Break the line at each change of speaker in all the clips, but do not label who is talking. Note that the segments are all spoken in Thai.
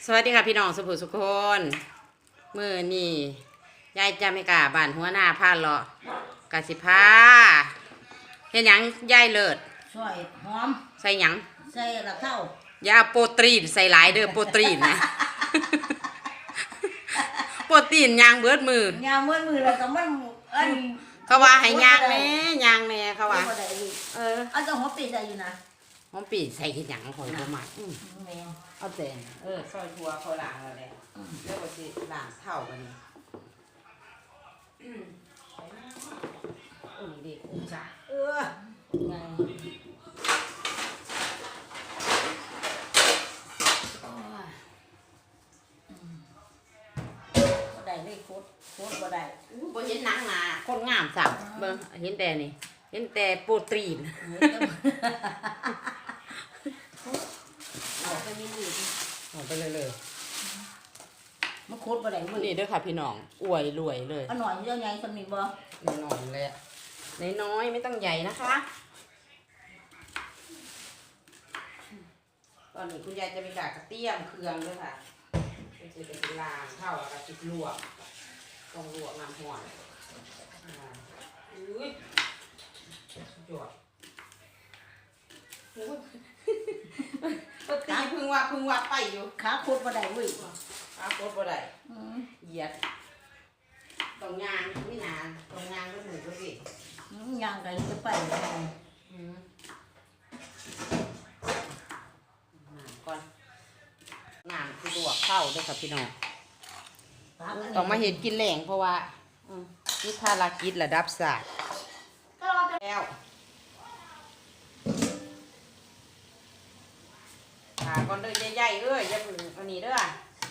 สวัสดีค่ะพี่น้องสุภุสุคนมื้อนี้ยายจะไม่กล้าบ้านหัวหน้าพาเลาะกะสิพาเฮ็ดหยังยายเลิศ
ซอยหอม
ใส่หยัง
ใส่ละเท่า
อย่าโปรตีนใส่หลายเด้อโปรตีนนะ โปรตีนยางเบิดมือย
างมือแล้วก็มันอัน
เขาว่าให้ยางแน่ยางแน่เขาว่า
อันต้องหอมปีใส่อยู่นะ
หอมปีใส่เฮ็ดหยังข่อยบ่มัก
แม่
เอาแต่ซอยทัวเขาล้างแล้วแหละแล้วก็สิล้างเท่าบัดนี้โอ้นี่ดิจ้ะ
ไงบ่ได้เลยโคตรบ่ได้
บ่เห็นหนังหนาคนงามสั่งเบิ่งเห็นแต่นี่เห็นแต่โปรตีน
เอาไปนี่
เอาไปเลย
มันโคตรบ่ได้เว้ย
นี่เด้อค่ะพี่น้องอวยรวยเลย
อันหน่อยเจ้าใหญ่สำนีบ่
น้อยๆเลยน้อยๆไม่ต้องใหญ่นะคะตอนนี้คุณยายจะมีกากระเตี้ยมเครื่องด้วยค่ะจะเป็นล้างเท่ากับจิบลวกต้องลวกน้ำห่อนอุ้ยจวดตีพึ่งว่าไปอยู่
ขาโคตรบ่ได้เว้ย
ขาโคตรบ่ได้เหยียดตรงยางไม่นานตรงยางก็เหมือนกันสิ
ยางไก่จะไป
ก่อนน้ำคือลวกเข้าด้วยค่ะพี่น้องต้องมาเห็นกินแหล่งเพราะว่านี่ภารกิจระดับศาสตร์แล้วก่อนเด้อใหญ่ๆอย่าพึ่งอันนี้เด้อ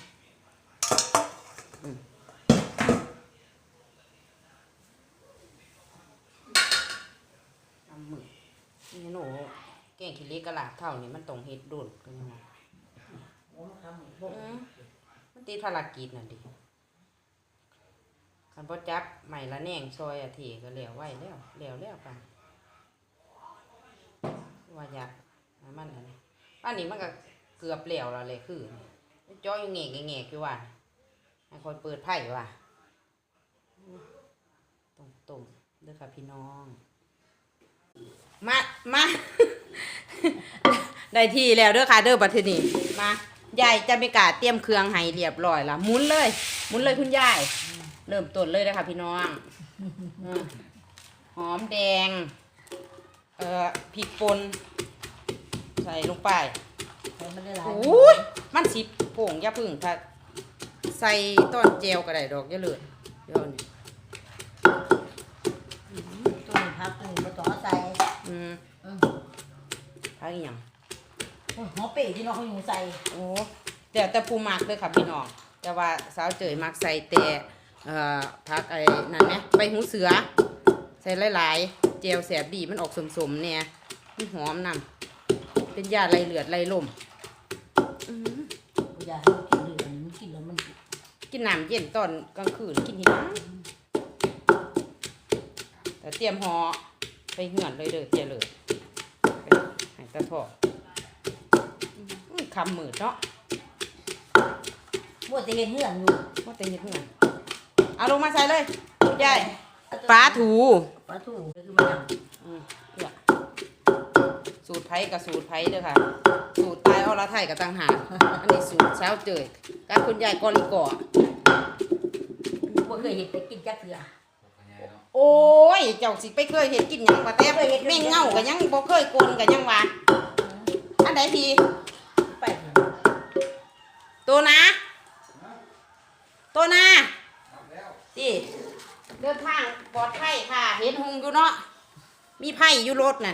ทำมือนี่หนูแกงขี้เล็กกระลาบเท่านี้มันต้องเฮ็ดโดนกันยังไงมันตีภารกิจนั่นดิคันพอจับใหม่ละแหน่งซอยอาทิก็เหลวไว้แล้วกันว่าอยากมันอะไรอันนี้มันก็เกือบเหลวแล้วเลยคือจ้อยแง่อยู่ว่าให้คอยเปิดไพ่ว่ะตุ่มเด้อค่ะพี่น้องมา ได้ที่แล้วเด้อค่ะเด้อบัดทีนี้มายายจะมีกาเตรียมเครื่องให้เรียบร้อยละหมุนเลยคุณยายเริ่มต้นเลยนะคะพี่น้องหอมแดงพริกป่นใส่ลงไปโอ้ยมันสิโป่งอย่าพึ่งค่ะใส่ต้นเจลก็ได้ดอกอย่าเลือดเดี๋ยวนี้
ตัวนี้พักตัวนี้บ่ต้องใส่
พักอีหยัง
หอมปีที่น้องเขาอยู่ใส่
โอ้เดี๋ยวแต่ปูมักเลยค่ะพี่น้องแต่ว่าสาวเจยมักใส่แต่พักไอ้นั่นไหมใบหูเสือใส่หลายๆเจลแสบดีมันออกสมๆเนี่ยมันหอมนำเป็นยาไล่เลือดไล่ลม
ยาให้กินเลือดมันกินแล้วมัน
กินน้ำเย็นตอนกลางคืนกินที่น้ำแต่เตรียมห่อไปเหือนเลยเด้อเจเลยให้ตะพอคำมืดเนาะ
ว่าจะเห็นเหือนอยู่
ว่าจะเห็นเหือนเอาลงมาใส่เลยยายปลาถู
คือมัน
สูตรไผ่กับสูตรไผ่เด้อค่ะสูตรตายอรไทยกับต่างหากอันนี้สูตรเช้าเจยการคุณยายกอลิกอ
ว่าเคยเห็นไปกินจักเถื่อ
โอ้ยเจ้าสิไปเคยเห็นกินหยังกว่าแต่แม่งเงากับยังบ่เคยโกนกับยังว่าอันไหนที
ไป
ตัวนะที่เดินทางปลอดภัยค่ะเห็นหงอยู่เนาะมีไผ่อยู่รถนั่น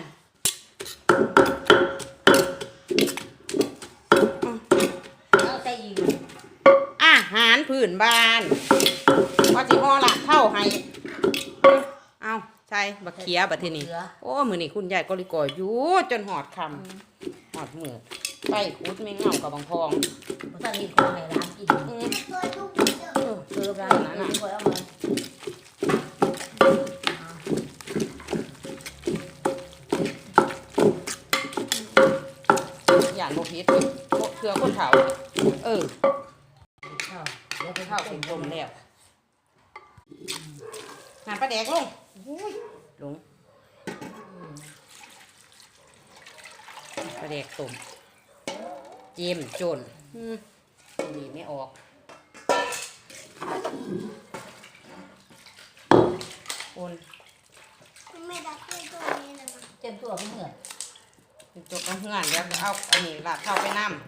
อาหารพื้นบ้านว่าสิห่อละเท่าให้เอาใช่บักเขียบัดทีนี้โอ้มือนี่คุณยายก็ลิกอยอยู่จนหอดคำหอดมือไปคุดไม่เงากับบางพอง
ท่านนี้คนไหนร้านกินร้านนั้นน่ะ
อย่างโมพิษเพื่อคนเฒ่าสิต้มแล้วหั่นปลาแดกลงลงปลาแดกต้มเจียมโจนนี่ไม่ออกคน
ไม่ดับด้วยตัวนี้เลยมั้ง
เต็มตัวไม่เหนื่อย
จบกันเพื่อนแล้วเอาอันนี้ลาดเข้าไปน้ำ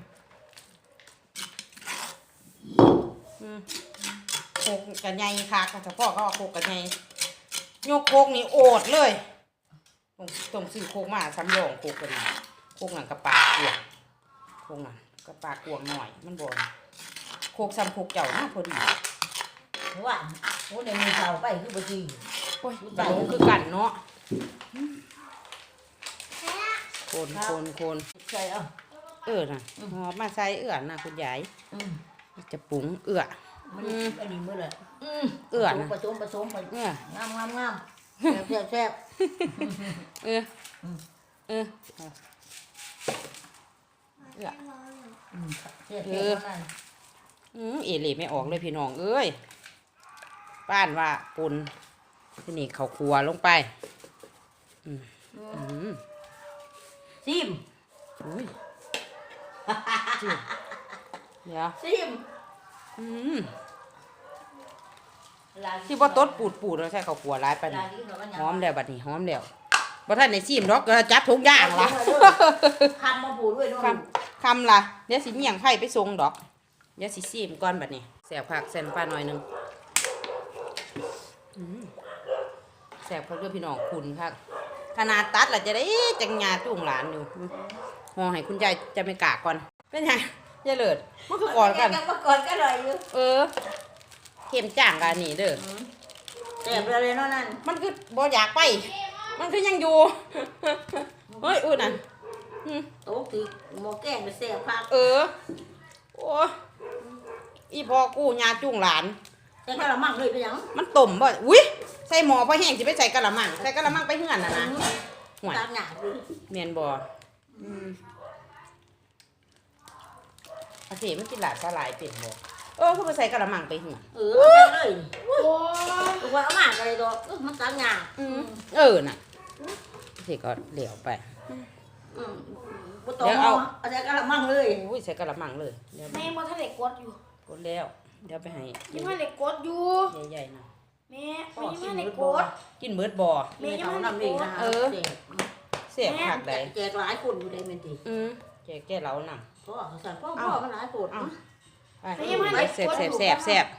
โคกกันใหญ่ค่ะเฉพาะเขาเอาโคกกันใหญ่ยกโคกนี่โอดเลยต้องซื้อโคกมาซ้ำรองโคกกันโคกหนังกระปากกวงโคกหนังกระปากกวงหน่อยมันบ่นโคกซ้ำโคกเจ้าน่าพอดี
เพราะว่าโอ้ในมือเสาไปคือบ่ดี
โอ้ยตลกคือกันเนาะคน
ใช่เอา
น่ะหอมมาใส่น่ะคุณยายจะปรุง
มันอันนี้มื้อละ
นะ
ผสมไปงามแซ่บ
เออเอื้อ
แซ่บ
เอเล่ไม่ออกเลยพี่น้องเอ้ยป้านว่าปุนที่นี่เขาครัวลงไป
ซิม
อุ้ยเดี๋ยว
ซิม
ที่ว่าต้นปูดแล้วใช่เขาครัวร้ายไปนี่หอมแล้วบัดนี้หอมแล้วบ่ท่านในซิมดอกก็จับทุกอย่างละ
คำมาปูด้วยเนาะ
คำละเดี๋ยวสิเมี่ยงไผ่ไปส่งดอกเดี๋ยวสิซิมก่อนบัดนี้แสบผักแสนปลาหน่อยนึงแสบเขาด้วยพี่น้องคุณค่ะขนาดตัดล่ะจะได้จังหยาจุ่งหลานอยู่ห่อให้คุณยายจะไม่กากก่อนเป็นไงยายเลิศมันคือก่อนกัน
ก่อนก็เลยอยู่
เข็มจ่างกันนี่เด้อ
แซ่บเลยเนาะนั่น
มันคือบ่อยากไปมันคือยังอยู่เฮ้ยอุ้ยนั่น
โต๊ะคือหม้อแกงก็แซ่บผัก
โอ้อีพอกูหยาจุ่งหลาน
แต่กะละมังเลยไปยัง
มันต้มบ่อุ้ยใส่หม้อพอแห้งสิไปใส่กะละมังใส่กะละมังไปเฮือนน่ะนะห่วย
ตามหน้าเลย
แม่นบ่โอเคมันกินหลาดสลายเป็นบ่คือไปใส่กะละมังไปเฮือน
ไปเลยตัวเอามาอะไรตัวมันตามหน้า
น่ะสิก็เหลวไป
บ่ต้องเอาใส่กะละมังเลย
อุ้ยใส่กะละมังเลยเดี๋ยว
แม่มาทะเลกดอยู่
กดแล้วเดี๋ยวไปให้
ยังทะเลกดอยู่
ใหญ่ๆนะ
แม่ยังทะเลกด
กินเบิดบ่
แม่ยังทำอีกนะ
เสียบผักได้
แจกหลายคนอยู่ได้แม่นติ
แกเหล้านำ
พ่อสั่นพ่อมันหลายคน
ไปแซ่บ